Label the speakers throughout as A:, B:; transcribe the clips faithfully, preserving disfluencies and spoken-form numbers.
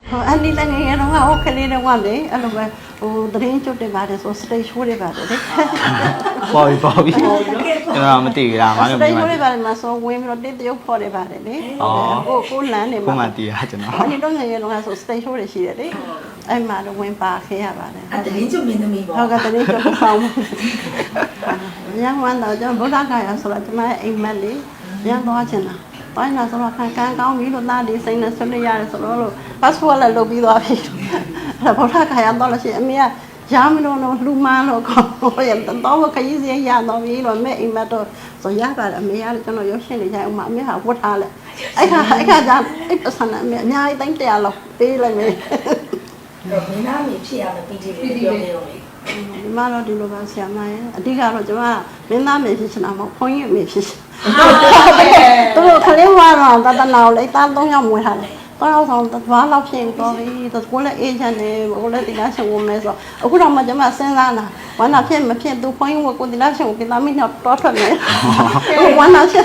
A: อันนี้ละไงเราว่าโอเคเลยนะว่าเลยอะไรแบบโอ้ตอนนี้จุดเด่นมาเลยโซสเตย์ช่วยได้แบบเลย
B: ปอยปอยเราไม่ตีเรามา
A: สเตย์ช่วยได้แบบมาโซเวมเราได้เดียวพอได้แบบเลยโอ้โหกูหลานเนี่ย
B: กูมาตีอะจังเนาะ
A: อันนี้ต้องไงเราว่าโซสเตย์ช่วยได้ชีเลยไอ้มาเราเวมปลาเขียแบบเลย
C: อันนี้จุดมีนมีบอก
A: เขาก็ตอนนี้จะฟังยังวันเราจะบุษราคายสระจะมาเอ็มเมลี่ยังตัวเช่นน่ะตอนนั้นสระการการก้าวมีรถน้าดีสิ่งนั้นสุดยอดสระเราพาสปอร์ตเราบีตัวพี่แล้วบุษราคายตอนเราเชื่อเมียยามเราเราลูมาเราก็ยังต้องว่าใครยิ่งยามเรามีเราไม่เอ็มเมตัวสยามแบบเมียเราจะเรายกเช่นนี้ใช่ไหมเมียหาพุทธาเลยไอ้ข้าไอ้ข้าจานไอ้ภาษาเนี่ยเมียง่ายตั้งแต่เราปีเลยมั้ย
C: တော့မင်းသားမေဖြစ်ရမယ်ပီတီလေးပြောနေတော့လေ
A: ဒီမှာတော့ဒီလိုပါဆရာမရဲ့အဓိကတော့ကျွန်မမင်းသားမေဖြစ်ချင်တာမဟုတ်ခွန်ကြီးမေဖြစ်ချင်သူတို့ခလေးဝါတော့တတနာကိုလေတားသုံးယောက်မွေးထားတယ်တော့အောင်ဆောင်သွားလောက်ဖြစ်တော့ပြီကိုလည်းအေးချမ်းတယ်ကိုလည်းဒီလားရှင်ဝင်မယ်ဆိုအခုတော့မှကျွန်မစဉ်းစားတာဝမ်းသာဖြစ်မဖြစ်သူခွန်ကြီးကိုဒီလားရှင်ကိုပြင်သားမိတော့တောထွက်မယ်ဝမ်းသာဖြစ်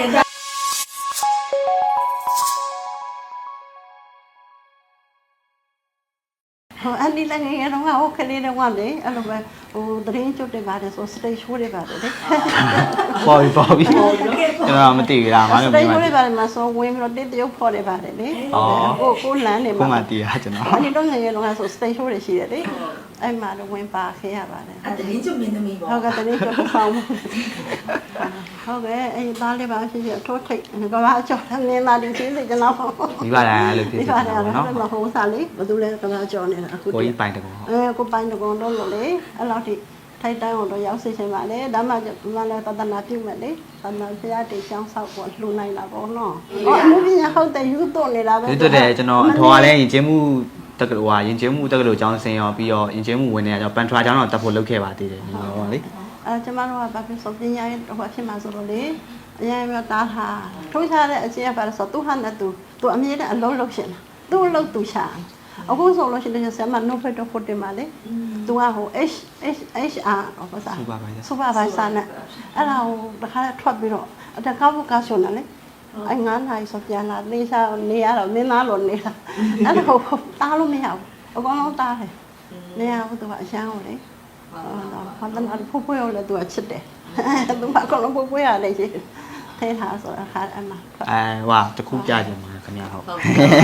A: อันนี้ละไงเราว่าโอเคเลยนะว่าเลยอะไรแบบโอ้ตอนนี้จุดเด่นมาเลยโซสเตย์ช่วยได้แบบเลย
B: ปอยปอยเราไม่ตีเรามา
A: สเตย์ช่วยได้แบบมาโซเวมเราได้เดียวพอได้แบบเลยโอ้โหกูหลานเนี่ย
B: กูมาตีอะจังเนาะ
A: อันนี้ต้องไงเราว่าโซสเตย์ช่วยได้ชีเลยไอ้มาเราเวมปลาเขียแบบเลย
C: อันนี้จุดมีนมีบอก
A: เขาก็ตอนนี้จะฟังเขาก็ไอ้ตาเลยบ้าเฉยๆโทษทีก็ว่าจอดทำเนี่ยมาดีที่เลยจะเล่า
B: ဒီပါလားလို့ဖြစ်
A: ဒီ
B: နေတာ
A: ပါတယ်
B: ပေါ့
A: နော်
B: နော်
A: မဟုတ်စားလေဘာလို့လဲကဘာကြောနေတာအခု
B: ကိုကြီးပိုင်တကော
A: အဲကိုပိုင်းတကောင်တော့လို့လေအဲ့လောက်ထိထိုက်တန်းအောင်တော့ရောက်စေချင်ပါလေဒါမှမလည်းတဒနာပြုမဲ့လေတဒနာဖရာတေချောင်းဆောက်ပေါ်လှူနိုင်တာပေါ့နော်ဟောအမှုပညာဟုတ်တယ်ယူတော့နေတာပဲ
B: ဒီတော့တယ်ကျွန်တော်အထော်ကလည်းယဉ်ကျေးမှုတက္ကသိုလ်ဟာယဉ်ကျေးမှုတက္ကသိုလ်ကျောင်းဆင်းရောပြီးတော့ယဉ်ကျေးမှုဝင်နေကြတော့ပန်ထွာကျောင်းတော့တက်ဖို့လုပ်ခဲ့ပါသေးတယ်ဒီလိုပေါ့လေ
A: အဲကျမတို့ကဘာဖြစ်ဆိုပညာရေးဟိုဖြစ်မှာဆိုတော့လေအရင်ကတားဟာထိုးချတဲ့အချင်းကပါဆိုသူဟာနဲ့သူသူအမြဲတမ်းအလုံးလုံးရှင်သူ့လုံးသူချာအခုဆိုလို့ရှိရင်ဆရာမနိုဖက်တော့ဖို့တင်ပါလေသူကဟို H H H R ဘာသာ
B: စူပါပါ
A: စူပါပါစာနဲ့အဲ့ဒါဟိုတခါထွက်ပြီးတော့အတကားဘုကာဆိုနေလေအငန်းနိုင်ဆိုပြန်လာနေစားနေရတော့နင်းသားလို့နေတာအဲ့ဒါဟိုတားလို့မရဘူးအကောင်လုံးတားတယ်နေရဘူးသူကအရှမ်းကိုလေဟောတော့ဘာတနာဖို့ဖို့ရလဲသူကချစ်တယ်သူကအကောင်လုံးဖို့ဖို့ရတယ်ရှိထဲထားဆိုအခါအမှ
B: အဲဟွာတခုပြကြမှာခင်ဗျာဟုတ်
C: ဟုတ်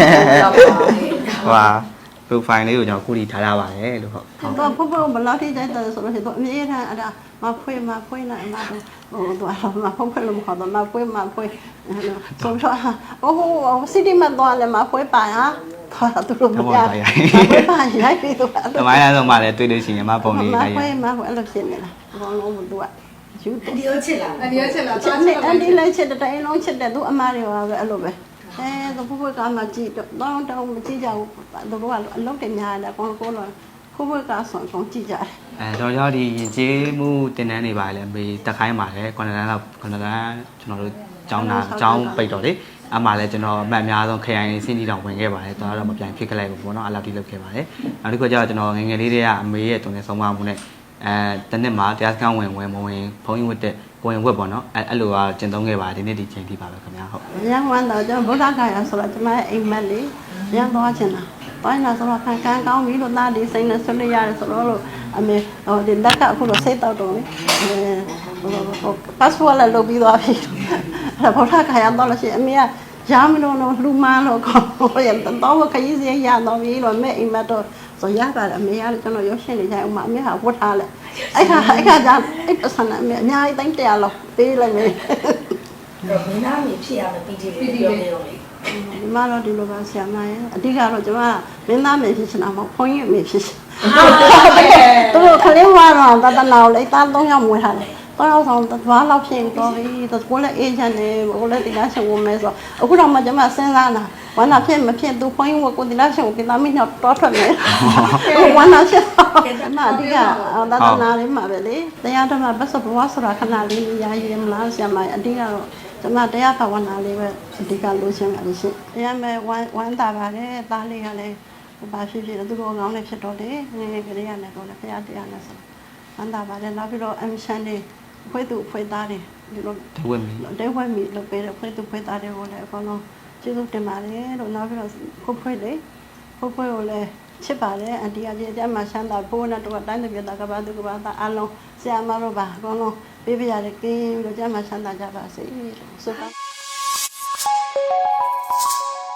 C: ပါဘူး
B: ဟွာ profile လေးကိုကျွန်တော်ခုထိထားရပါတယ်လို့ဟုတ်
A: တော့ဖို့ဖို့ဘလောက်ထိကြိုက်တယ်ဆိုလို့ရှိရင်သူအမြဲတမ်းအဲ့ဒါမဖွေးမဖွေးနိုင်မှာဟိုတော့မဖွေးဖွေးလို့မခေါ်တော့မဖွေးမဖွေးဆိုတော့အိုးစီတီမတော့လည်းမဖွေးပါဟာတော့သူတို့မရဘူးပါရိုက်ပြီးတော့
B: တမိုင်းလားဆုံးမှလည်းတွေ့လို့ရှိရင်မပုံလေး
A: မ
B: လိုက်ရ
A: ဖွေးမဖွေးအဲ့လိုဖြစ်နေတာဘောလုံးမသူကယူ
C: အဒီရောချစ်လာ
D: အဒီရချက်လာ
A: ချစ်နေအန်ဒီလိုက်ချစ်တဲ့တိုင်းလုံးချစ်တဲ့သူအမားတွေပါပဲအဲ့လိုပဲအဲသူဖွေးဖွေးကမှကြည့်တော့တောင်းတောင်းမကြည့်ကြဘူးသူတို့ကအလုပ်တွေများတယ်ကောကောလို့ဖွေးဖွေးကဆောင်းဆောင်းကြည့်ကြတယ်
B: အဲတော့ရောက်ဒီယဉ်ကျေးမှုတင်တန်းနေပါလေမေတက်ခိုင်းပါလေခုနတန်းလောက်ခုနတန်းကျွန်တော်တို့ကျောင်းသားကျောင်းပိတ်တော့လေအမှလည်းကျွန်တော်အမှတ်အများဆုံးခရိုင်စင်းတီတောင်ဝင်ခဲ့ပါတယ်တော်တော့မပြန်ဖြစ်ခဲ့လိုက်ဘူးပေါ့နော်အဲ့လောက်ထိလုပ်ခဲ့ပါတယ်နောက်တစ်ခုကျတော့ကျွန်တော်ငငယ်လေးတွေကအမေရဲ့တုံနဲ့ဆုံးမမှုနဲ့အဲတနစ်မှာတရားစခန်းဝင်ဝင်မဝင်ဘုံကြီးဝတ်တဲ့ကိုရင်ဝတ်ပေါ့နော်အဲအဲ့လိုကကျင့်သုံးခဲ့ပါဒီနေ့ဒီချိန်ထိပါပဲခင်ဗျာဟုတ်
A: ရန်ဝန်တော့ကျွန်တော်ဗုဒ္ဓဂါယာဆိုတော့ကျွန်မအိမ်မက်လေးရန်သွားချင်တာတိုင်းလာဆိုတော့ခံကန်ကောင်းပြီလို့သားဒီစိတ်နဲ့ဆွနေရတယ်ဆိုတော့အမေဟိုဒီလက်ကအခုတော့စိတ်တောက်တော့လေဟိုဟိုပတ်စပို့လည်းလုပ်ပြီးသွားပြီအဲ့ဗုဒ္ဓဂါယာတော့လို့ရှိရင်အမေကရမ်းမလို့တော့လူမန်းလို့ခေါ်ရတော့ခရီးစရရတော့ပြီလို့မဲအိမ်မက်တော့ဆိုရပါတယ်အမေကလည်းကျွန်တော်ရုပ်ရှင်နေကြအောင်မအမေကဝတ်ထားလဲအဲ့ခါအဲ့ခါကျအဲ့ပစံအမေအများကြီးတိုင်းတရားလောက်ပေးလိုက်မယ်
C: တော့မင်းသားမေဖြစ်ရမယ်ပီတီလေးပြောနေတော့လေ
A: ဒီမှာတော့ဒီလိုပါဆရာမရဲ့အဓိကတော့ကျွန်မမင်းသားမေဖြစ်ချင်တာမဟုတ်ခွန်ကြီးမေဖြစ်ချင်သူတို့ခလေးဝါတော့တတနာကိုလေတားသုံးယောက်မွေးထားတယ်တော့အောင်ဆောင်သွားလောက်ဖြစ်တော့ပြီကိုလည်းအေးချမ်းတယ်ကိုလည်းဒီလားရှင်ဝင်မယ်ဆိုအခုတော့မှကျွန်မစဉ်းစားတာဝမ်းသာဖြစ်မဖြစ်သူခွန်ကြီးကိုဒီလားရှင်ကိုပြင်သားမိတော့တောထွက်မယ်ဝမ်းသာဖြစ်အမအဓိကတတနာလေးမှာပဲလေတရားဓမ္မဘတ်စဘဝဆိုတာခဏလေးရာရည်မလားဆရာမအဓိကတော့ကျွန်မတရားဘာဝနာလေးပဲအဓိကလိုချင်ပါလို့ရှိတရားမဲ့ဝမ်းဝမ်းသာပါတယ်သားလေးကလည်းဘာဖြစ်ဖြစ်သူတို့ကောင်းနေဖြစ်တော့လေငယ်ငယ်ကလေးရတယ်တော့လေဖရားတရားနဲ့ဆိုဝမ်းသာပါတယ်နောက်ပြီးတော့အမရှန်လေးဖွေးသူဖွေးသားတွေဒီလို
B: တဝက်မီ
A: တဲဝဲမီလုပ်ပေးတဲ့ဖွေးသူဖွေးသားတွေကိုလည်းအကောင်လုံးကျေးဇူးတင်ပါတယ်လို့နောက်ပြီးတော့ကိုဖွေးလေးဖိုးဖွေးကိုလည်းချစ်ပါတယ်အန်တီကကြီးအကျမ်းမှချမ်းသာဖိုးနဲ့တော့တိုင်းတစ်ပြတ်တာကဘာသူကဘာသာအလုံးဆရာမတို့ပါအကုန်လုံးပေးပြရတယ်ကင်းလို့ကျမ်းမှချမ်းသာကြပါစေလို့ဆုတောင်း